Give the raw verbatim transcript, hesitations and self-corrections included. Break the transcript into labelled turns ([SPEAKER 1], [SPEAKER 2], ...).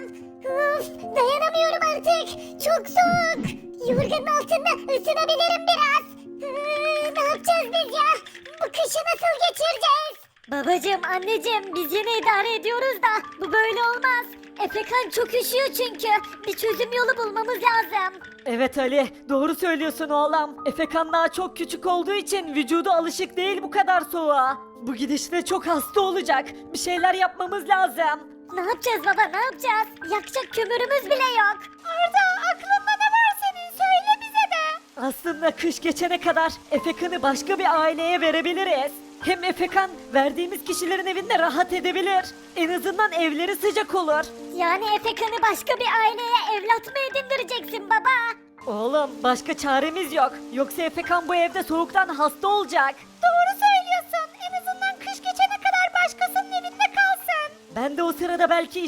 [SPEAKER 1] Uf, dayanamıyorum artık. Çok soğuk. Yorganın altında ısınabilirim biraz. Ee, ne yapacağız biz ya? Bu kışı nasıl geçireceğiz? Babacım, anneciğim, biz yine idare ediyoruz da bu böyle olmaz. Efekan çok üşüyor çünkü. Bir çözüm yolu bulmamız lazım.
[SPEAKER 2] Evet Ali, doğru söylüyorsun oğlum. Efekan daha çok küçük olduğu için vücudu alışık değil bu kadar soğuğa. Bu gidişle çok hasta olacak. Bir şeyler yapmamız lazım.
[SPEAKER 1] Ne yapacağız baba, ne yapacağız? Yakacak kömürümüz bile yok. Arda, aklında ne var senin? Söyle bize de.
[SPEAKER 2] Aslında kış geçene kadar Efekan'ı başka bir aileye verebiliriz. Hem Efekan verdiğimiz kişilerin evinde rahat edebilir. En azından evleri sıcak olur.
[SPEAKER 1] Yani Efekan'ı başka bir aileye evlat mı edindireceksin baba?
[SPEAKER 2] Oğlum başka çaremiz yok. Yoksa Efekan bu evde soğuktan hasta olacak.
[SPEAKER 1] Doğru söylüyorsun. En azından kış geçene kadar başkasının evinde kalsın.
[SPEAKER 2] Ben de o sırada belki